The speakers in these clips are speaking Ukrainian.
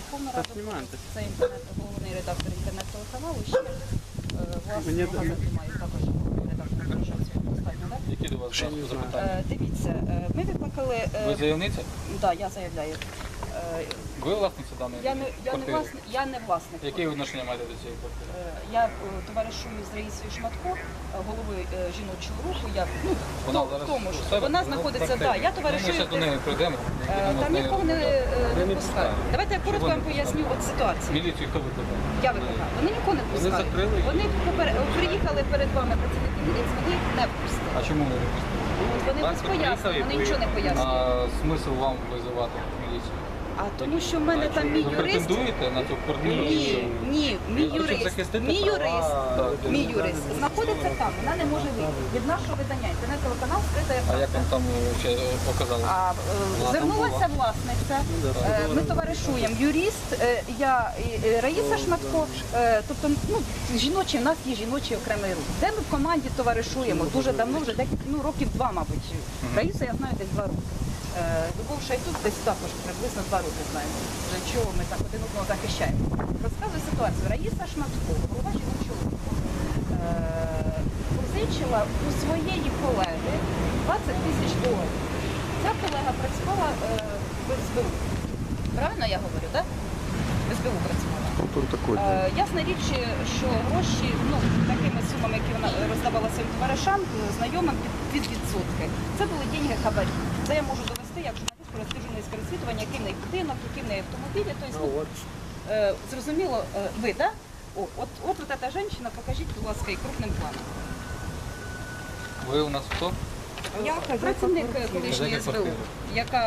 Верховна Рада. Це головний редактор інтернет-телеканалу. Ще власне газету маю також редактор організації. Достатньо, так? Які до вас запитання? Дивіться, ми викликали... Ви заявниця? Так, я заявляю. Ви власниця даної квартири? Я не власник. Які відношення маєте до цієї квартири? Я товаришую з Раїсою Шматко, головою жіночого руху. Вона зараз тому у що себе? вона знаходиться, так, я Ми товаришую. ще до неї прийдемо. Там нікого не пускають. Давайте я коротко вам поясню от ситуацію. Міліцію хто викликав? Я викликаю. Вони нікого не пускають. закрили її? Вони приїхали перед вами працівники міліції, вони їх не впустили. А чому ви не пустили? Вони без пояснень, вони нічого не пояснюють. А смисл вам визивати міліцію? А тому що в мене там мій Ви юрист. претендуєте на цю квартиру? Ні, мій юрист знаходиться там, вона не може вийти. Від нашого видання інтернет-телеканал скрита А як вам там ще показали? Звернулася власниця, ми товаришуємо, юрист, я і Раїса Шматко, тобто жіночий, в нас є жіночий окремий рух. Де ми в команді товаришуємо дуже давно, вже років 2, мабуть. Раїса я знаю десь 2 роки. Любов Шайтук десь також приблизно 2 роки знаємо, для чого ми так один одного захищаємо. Розказую ситуацію. Раїса Шматко, голова жіночого руху, позичила у своєї колеги $20 000. Ця колега працювала в СБУ. Правильно я говорю, так? В СБУ працювала. Ясна річ, що гроші, такими сумами, які вона роздавала своїм товаришам, знайомим під відсотки, це були деньги хабарі. Це я можу довести, як журналіст провести журналістське розслідування, який в неї будинок, які в неї автомобілі. Тобто, зрозуміло, ви, так? От ця жінка, покажіть, будь ласка, і крупним планом. Ви у нас хто? Я працівник колишньої СБУ, яка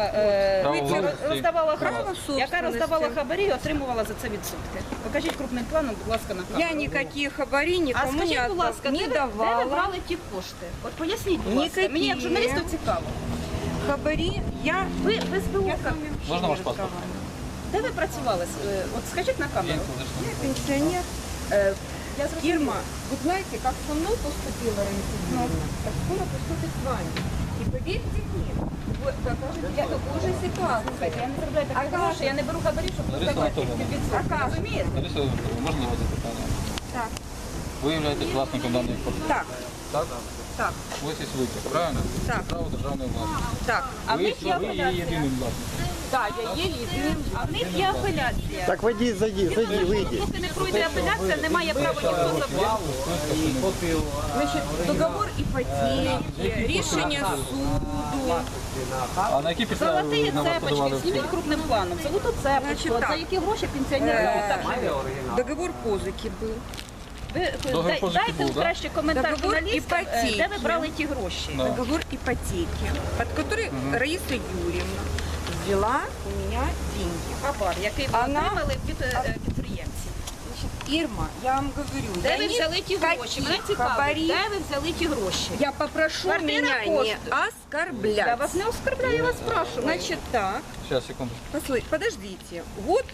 роздавала хабарі і отримувала за це відсотки. Покажіть крупним планом, будь ласка, на камеру. Я ніяких хабарі нікому скажіть, будь ласка, не де давала. ви брали ті кошти? От поясніть, будь ласка, мені як журналісту цікаво. Хабарі я... Ви в СБУ, Можна ваш паспорт? де ви працювали? От скажіть на камеру. Я пенсионер. Я зрозуміла. Ирма, вы знаете, как со мной поступила Раиса Юрьевна, так скоро поступит с вами. И поверьте мне, вы покажете такую же ситуацию. Слухайте, я не заробляю такі гроші, я не беру хабарі, щоб роздавати під відсотки. Розумієте? Лариса Володимирівна, можна його запитання? Так. Ви являєтесь власником даної квартири? Так, Так? так, Ось і виклик, правильно? Так. Право державної власності. так. А в Ви них є є апеляція. єдиним власником. Да, я єдиним. А в них є апеляція. Так вийди, зайди, вийди. Поки не пройде апеляція, немає права ніхто забрати. Значит, договор ипотеки, рішення суду. А на які підстави Золоті ви на вас подавали цепочки, в суд? зніміть крупним планом. Золоту цепочку, Значить, от за так. які гроші пенсіонери отримали. Договор позики был. Ви Договір позики дайте був, да? краще коментар Договор журналістам, іпотеки. де ви брали ті гроші. Да. Договор ипотеки, под который Раиса Юрьевна взяла у меня деньги. Хабар, який ви Вона- отримали від підприємців. Значит, Ирма, я вам говорю, Де я ви взяли ті гроші? Мене цікавить, хабарі. де ви взяли ті гроші? Я попрошу Квартира меня не коштует. оскорблять. Я вас не оскорбляю, я вас спрашиваю. Значит так, Сейчас, секунду. подождите. Вот,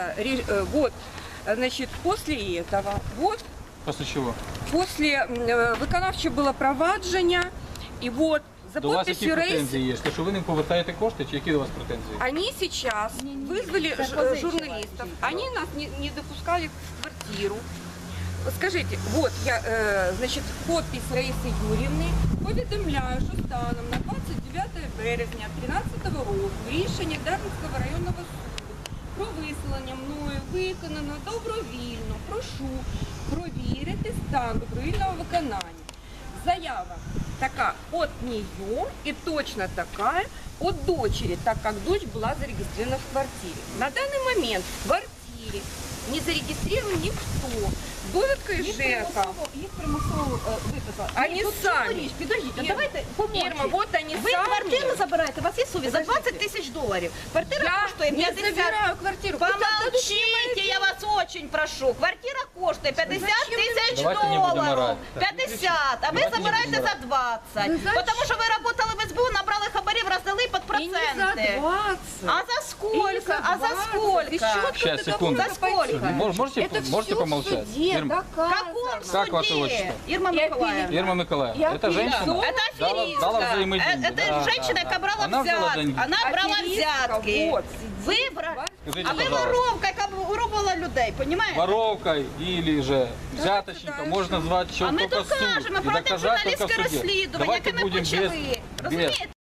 значит, после этого, вот, Після чого? после виконавчого було провадження, і вот, за До вас які подписью Раисы, претензії є? Що ви не повертаєте кошти, чи які до вас претензії? они сейчас вызвали позычила журналистов, они нас не допускали в квартиру. Скажите, вот я, значит, подпись Раисы Юрьевны, повідомляю, що станом на 29 березня 2013 року рішення Дарницького районного суду про виселення мною виконано добровільно. Прошу провірити стан добровільного виконання. Заява така от нее и точно такая от дочери, так как дочь была зарегистрирована в квартире. На данный момент в квартире не зарегистрирован никто. Довідка із ЖЕКа. Їх примусово виписали. Они Тут сами. цілу річ, підождіть, Ір- давайте помовчіть. Ирма, вот они Ви сами. квартиру забираєте, у вас є совість, за Подождите. $20 000. Квартира Я коштує не 50. забираю квартиру. Вы Помолчите, я вас очень прошу. Квартира коштує 50 000 Давайте не будемо доларів. орати. 50, а ви Давайте не забираєте будемо за 20. Ви знаєте, Тому що ви працювали в СБУ, набрали хабарів, роздали під И не за проценти. 20. А за сколько? А за сколько? Сейчас, секунду. За сколько? Можете помолчать? Ирма, В каком Как ваше суде? отчество? Ирма Николаевна. Ирма Николаевна, Я это женщина? Это Дала аферистка. взаимодействие. Это женщина, которая брала Она взяла взятки. деньги. Она брала Аферистка, взятки. вот, Вы сидит в брали... квартире. Скажите, А ви пожалуйста. воровка, яка воровала людей, понімаєте? Воровкой или же взяточником дальше. можно назвать А еще ми только суд докажемо, и проведемо доказать только в журналістське суде. розслідування, Давайте яке ми будем почали. без Розумієте?